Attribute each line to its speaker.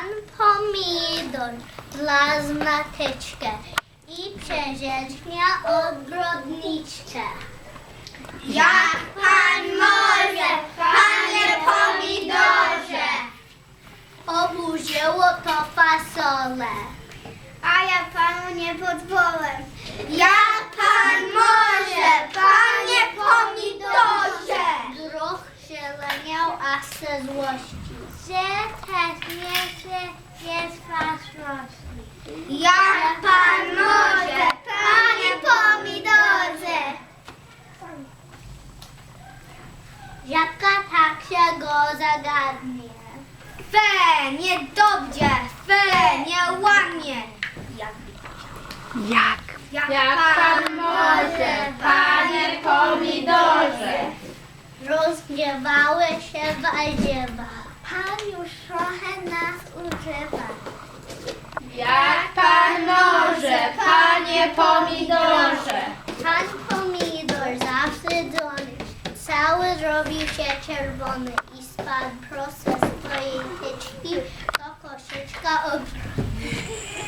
Speaker 1: Pan pomidor wlazł na tyczkę i przeziężnia ogrodniczkę.
Speaker 2: Jak pan może, panie pomidorze?
Speaker 1: Oburzyło to fasolę.
Speaker 2: A ja panu nie pozwolę. Jak pan może, panie pomidorze?
Speaker 1: Druh się leniał, a ze złości, że też nie jest fasości.
Speaker 2: Jak pan może, panie pomidorze?
Speaker 1: Żabka tak się go zagadnie.
Speaker 2: Fe, niedobrze, fe, nieładnie. Jak pan może, panie pomidorze?
Speaker 1: Rozgniewały się warzywa. Pan już trochę nas używa.
Speaker 2: Jak pan może, panie pomidorze?
Speaker 1: Pan pomidor zawstydzony, cały zrobił się czerwony i spadł prosto z swojej tyczki do koszyczka ogrodniczego.